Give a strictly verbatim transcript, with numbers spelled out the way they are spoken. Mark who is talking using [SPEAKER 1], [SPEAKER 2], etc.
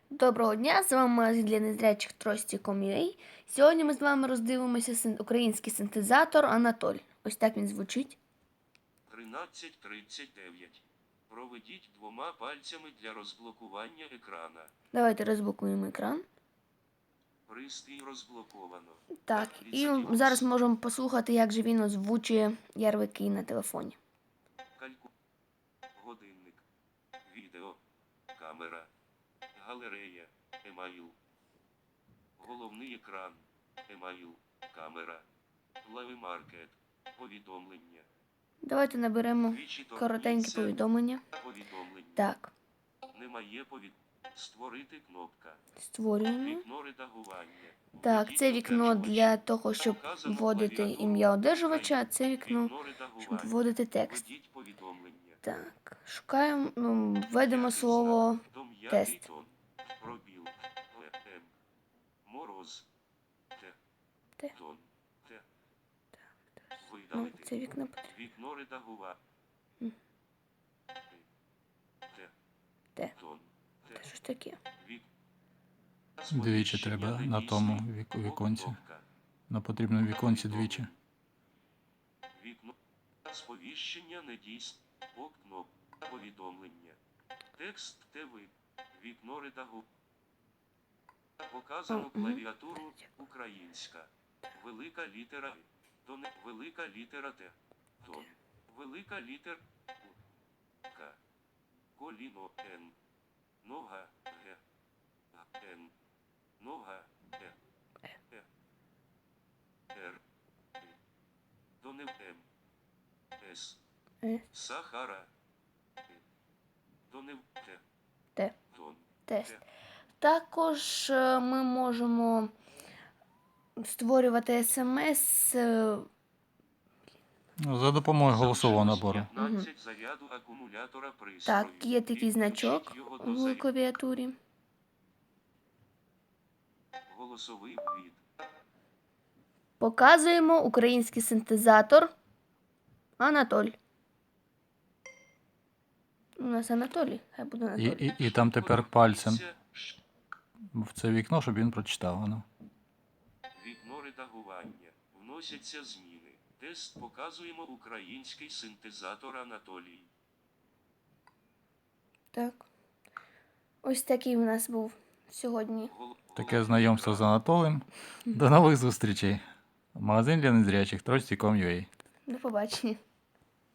[SPEAKER 1] Доброго дня, з вами магазин для незрячих трості точка ком точка ю а. Сьогодні ми з вами роздивимося син- український синтезатор Анатоль. Ось так він звучить.
[SPEAKER 2] тринадцять тридцять дев'ять. Проведіть двома пальцями для розблокування екрана.
[SPEAKER 1] Давайте розблокуємо екран.
[SPEAKER 2] Пристрій розблоковано.
[SPEAKER 1] Так, і
[SPEAKER 2] Ліцетіонс.
[SPEAKER 1] зараз можемо послухати, як же він озвучує ярлики на телефоні.
[SPEAKER 2] Кальку. Годинник. Відео. Камера. Галерея. Емайл. Головний екран. Емайл. Камера. Лайвмаркет. Повідомлення.
[SPEAKER 1] Давайте наберемо
[SPEAKER 2] Двічі
[SPEAKER 1] коротеньке
[SPEAKER 2] торкніться.
[SPEAKER 1] повідомлення.
[SPEAKER 2] Повідомлення.
[SPEAKER 1] Так,
[SPEAKER 2] Немає повід... Створити кнопка.
[SPEAKER 1] створюємо.
[SPEAKER 2] Вікно редагування.
[SPEAKER 1] Так,
[SPEAKER 2] Введіть
[SPEAKER 1] це вікно
[SPEAKER 2] одержувач.
[SPEAKER 1] для того, щоб
[SPEAKER 2] Показано
[SPEAKER 1] вводити
[SPEAKER 2] клавіатуру.
[SPEAKER 1] ім'я одержувача, а це вікно,
[SPEAKER 2] Вікно
[SPEAKER 1] щоб
[SPEAKER 2] редагування.
[SPEAKER 1] вводити текст.
[SPEAKER 2] Введіть повідомлення.
[SPEAKER 1] Так, шукаємо, ну, введемо
[SPEAKER 2] М'який
[SPEAKER 1] слово
[SPEAKER 2] знак. До м'який
[SPEAKER 1] тест.
[SPEAKER 2] тон. Пробіл. В М. Мороз. Т.
[SPEAKER 1] Т.
[SPEAKER 2] Тон. Т.
[SPEAKER 1] Ну,
[SPEAKER 2] Видалити.
[SPEAKER 1] це вікно потрібно.
[SPEAKER 2] Вікно редагування.
[SPEAKER 1] М.
[SPEAKER 2] Т.
[SPEAKER 1] Т.
[SPEAKER 2] Тон. Т.
[SPEAKER 1] Що ж таке?
[SPEAKER 2] Вік.
[SPEAKER 3] Двічі
[SPEAKER 2] Сповіщення
[SPEAKER 3] треба
[SPEAKER 2] не
[SPEAKER 3] на
[SPEAKER 2] дійсний.
[SPEAKER 3] тому вік- віконці.
[SPEAKER 2] Кнопка.
[SPEAKER 3] На потрібному віконці двічі.
[SPEAKER 2] Вікно. Сповіщення не дійсне. Окно. Повідомлення. Текст ТВ. Вікно редагу. Показано
[SPEAKER 1] Мгм.
[SPEAKER 2] клавіатуру. Українська. Велика літера І. Тон. Велика літера Т. Тон. Велика літер У. К. Коліно Н. Нога Г. Н. Нога Е. Е. Р. І. Донев М. С.
[SPEAKER 1] Е.
[SPEAKER 2] Сахара. І. Донев Т.
[SPEAKER 1] Т.
[SPEAKER 2] Тон.
[SPEAKER 1] Тест.
[SPEAKER 2] Т.
[SPEAKER 1] Також е, ми можемо створювати смс. е,
[SPEAKER 3] Ну, За допомогою голосового набору.
[SPEAKER 2] п'ятнадцять заряду акумулятора пристрою.
[SPEAKER 1] Так, є такий
[SPEAKER 2] Підключіть
[SPEAKER 1] значок
[SPEAKER 2] його до
[SPEAKER 1] в
[SPEAKER 2] заряду.
[SPEAKER 1] клавіатурі.
[SPEAKER 2] Голосовий ввід.
[SPEAKER 1] Показуємо український синтезатор Анатоль. У нас Анатолій, хай буде
[SPEAKER 3] І,
[SPEAKER 1] Анатолій.
[SPEAKER 3] і, і там тепер пальцем
[SPEAKER 2] Це ш-
[SPEAKER 3] в це вікно, щоб він прочитав воно.
[SPEAKER 2] Вікно редагування. Вносяться зміни. Тест показуємо український синтезатор Анатолій.
[SPEAKER 1] Так. Ось такий у нас був сьогодні.
[SPEAKER 2] Гол-
[SPEAKER 3] Таке
[SPEAKER 2] головний
[SPEAKER 3] знайомство з
[SPEAKER 2] екран.
[SPEAKER 3] Анатолієм. До нових зустрічей. Магазин для незрячих точка ком точка ю а.
[SPEAKER 1] До побачення.